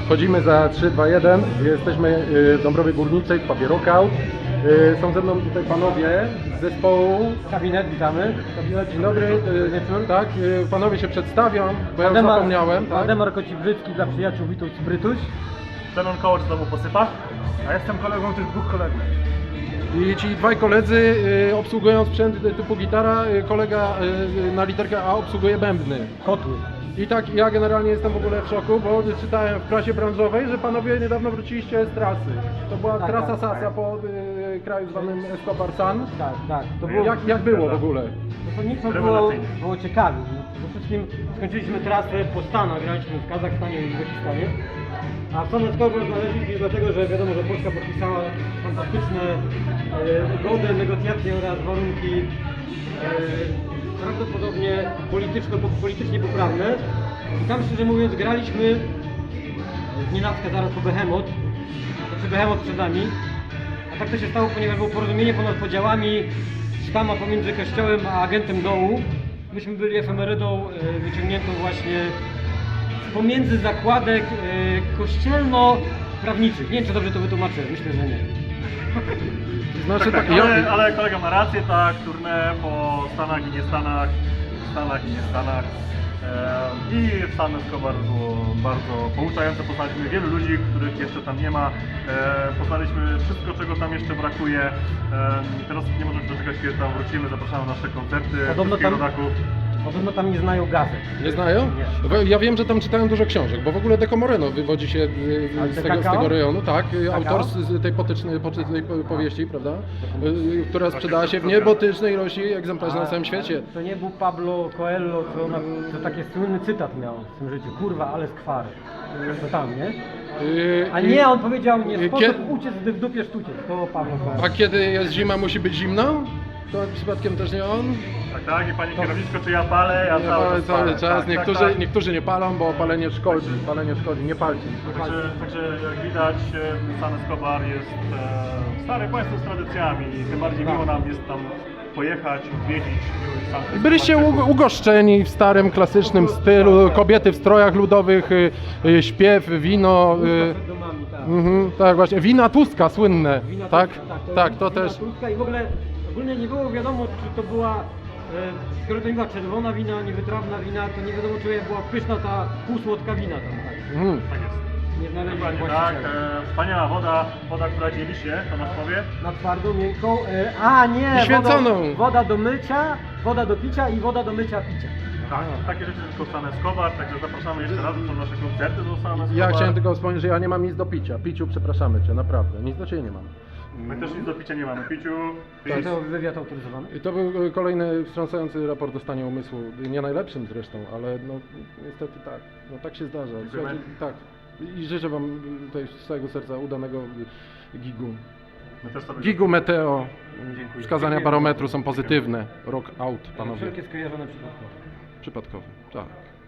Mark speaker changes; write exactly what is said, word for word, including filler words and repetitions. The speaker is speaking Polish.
Speaker 1: Wchodzimy za trzy, dwa, jeden. Jesteśmy w Dąbrowie Górniczej, w pubie Rockout. Są ze mną tutaj panowie z zespołu.
Speaker 2: Kabinet, witamy.
Speaker 1: Kabinet, dzień dobry, wieczór, tak. Panowie się przedstawią, bo ja już
Speaker 2: Waldemar-
Speaker 1: zapomniałem. Tak?
Speaker 2: Waldemar Kocibrzycki dla przyjaciół Wituś Brytuś.
Speaker 3: Zenon Kołacz znowu posypa, a jestem kolegą tych dwóch kolegów.
Speaker 1: I ci dwaj koledzy y, obsługują sprzęt typu gitara, y, kolega y, na literkę A obsługuje bębny.
Speaker 2: Kotły.
Speaker 1: I tak ja generalnie jestem w ogóle w szoku, bo czytałem w prasie branżowej, że panowie niedawno wróciliście z trasy. To była
Speaker 2: Tak,
Speaker 1: trasa
Speaker 2: tak,
Speaker 1: Sasa
Speaker 3: tak.
Speaker 1: po y, kraju zwanym Escobar San.
Speaker 2: Tak, tak. To było,
Speaker 1: Jak, jak było w ogóle?
Speaker 2: to nic było,
Speaker 3: Rewelacyjnie.
Speaker 2: było ciekawe. Przede wszystkim skończyliśmy trasę po Stanach, graliśmy w Kazachstanie i Uzbekistanie. A w Stanach znaleźliśmy dlatego, że wiadomo, że Polska podpisała fantastyczne e, ugody, negocjacje oraz warunki e, prawdopodobnie polityczno, politycznie poprawne. I tam szczerze mówiąc graliśmy z nienacka zaraz po Behemoth, znaczy Behemoth przed nami. A tak to się stało, ponieważ było porozumienie ponad podziałami sztama pomiędzy kościołem a agentem dołu. Myśmy byli efemerydą e, wyciągniętą właśnie pomiędzy zakładek e, kościelno-prawniczych. Nie wiem, czy dobrze to wytłumaczę, myślę, że nie.
Speaker 1: Znaczy,
Speaker 3: Tak,
Speaker 1: tak,
Speaker 3: tak, ale,
Speaker 1: ja,
Speaker 3: ale kolega ma rację, tak, tournée po Stanach i nie Stanach, w Stanach i nie Stanach. E, I w San Escobar było bardzo pouczające, poznaliśmy wielu ludzi, których jeszcze tam nie ma. E, poznaliśmy wszystko, czego tam jeszcze brakuje. E, teraz nie możemy się doczekać, kiedy tam wrócimy, zapraszamy na nasze koncerty,
Speaker 2: Podobno
Speaker 3: wszystkich
Speaker 2: tam-
Speaker 3: rodaków.
Speaker 2: Podobno tam nie znają gazet.
Speaker 1: nie znają?
Speaker 2: Nie.
Speaker 1: Bo ja wiem, że tam czytają dużo książek, bo w ogóle Deco Moreno wywodzi się y,
Speaker 2: Ale
Speaker 1: z
Speaker 2: te
Speaker 1: tego, z
Speaker 2: kakao?
Speaker 1: tego rejonu, tak, y,
Speaker 2: Kakao?
Speaker 1: autor z z tej, potycznej, poczy- tej po- powieści, prawda, y, która sprzedała się w niebotycznej ilości egzemplarzy na całym świecie.
Speaker 2: To nie był Pablo Coelho, co, ona, co taki słynny cytat miał w tym życiu. Kurwa, ale skwary. To tam, nie?
Speaker 1: Y,
Speaker 2: A
Speaker 1: y,
Speaker 2: nie, on powiedział, nie
Speaker 1: y,
Speaker 2: sposób
Speaker 1: kie-
Speaker 2: uciec, gdy w dupie sztuciec. To Pablo Coelho.
Speaker 1: A kiedy jest zima, musi być zimno? To przypadkiem też nie on?
Speaker 3: Tak, tak, i pani kierowniczko, czy ja palę, ja
Speaker 1: Nie
Speaker 3: cały
Speaker 1: palę
Speaker 3: czas
Speaker 1: cały
Speaker 3: palę.
Speaker 1: czas.
Speaker 3: Tak,
Speaker 1: Niektórzy,
Speaker 3: tak, tak.
Speaker 1: niektórzy nie palą, bo palenie szkodzi. Palenie szkodzi, nie palcie.
Speaker 3: Także, także jak widać, e, San Escobar jest e, stare państwo z tradycjami i tym bardziej miło nam jest tam pojechać, odwiedzić. San Escobar.
Speaker 1: Byliście u- ugoszczeni w starym, klasycznym stylu, kobiety w strojach ludowych, y, y, śpiew, wino. y,
Speaker 2: Przed domami, tak.
Speaker 1: mhm, tak właśnie, wina Tuska słynne,
Speaker 2: Wina
Speaker 1: tak?
Speaker 2: Tuska,
Speaker 1: Tak, to
Speaker 2: wina
Speaker 1: też.
Speaker 2: Tuska i w ogóle ogólnie nie było wiadomo, czy to była, e, skoro to nie była czerwona wina, niewytrawna wina, to nie wiadomo, czy była pyszna ta półsłodka wina tam. Tak.
Speaker 1: Mhm.
Speaker 3: Tak jest.
Speaker 2: Nie znaleźliśmy
Speaker 3: Dokładnie tak.
Speaker 2: właściciela.
Speaker 3: E, wspaniała woda, woda, która dzieli się, Tomasz powie.
Speaker 2: Na twardą, miękką, e, a nie,
Speaker 1: I święconą.
Speaker 2: Woda, woda do mycia, woda do picia i woda do mycia picia.
Speaker 3: Tak, takie rzeczy tylko San Escobar, także zapraszamy jeszcze raz, są nasze koncerty do San Escobar.
Speaker 1: Ja chciałem tylko wspomnieć, że ja nie mam nic do picia. Piciu, przepraszamy cię, naprawdę. Nic do ciebie nie mam.
Speaker 3: My też nic do picia nie mamy, piciu.
Speaker 2: Czy
Speaker 3: pić.
Speaker 2: to wywiad autoryzowany?
Speaker 1: I to był y, kolejny wstrząsający raport o stanie umysłu. Nie najlepszym zresztą, ale no niestety tak. No tak się zdarza.
Speaker 3: Dziękujemy.
Speaker 1: Słuchajcie, tak. I życzę wam y, tutaj z całego serca udanego y, gigu.
Speaker 3: My też sobie
Speaker 1: Gigu Meteo.
Speaker 3: Dziękuję.
Speaker 1: Wskazania
Speaker 3: Dziękujemy
Speaker 1: barometru
Speaker 3: bardzo.
Speaker 1: są pozytywne. Rock out, panowie.
Speaker 2: Wszelkie skojarzone przypadkowo.
Speaker 1: Przypadkowe. Tak.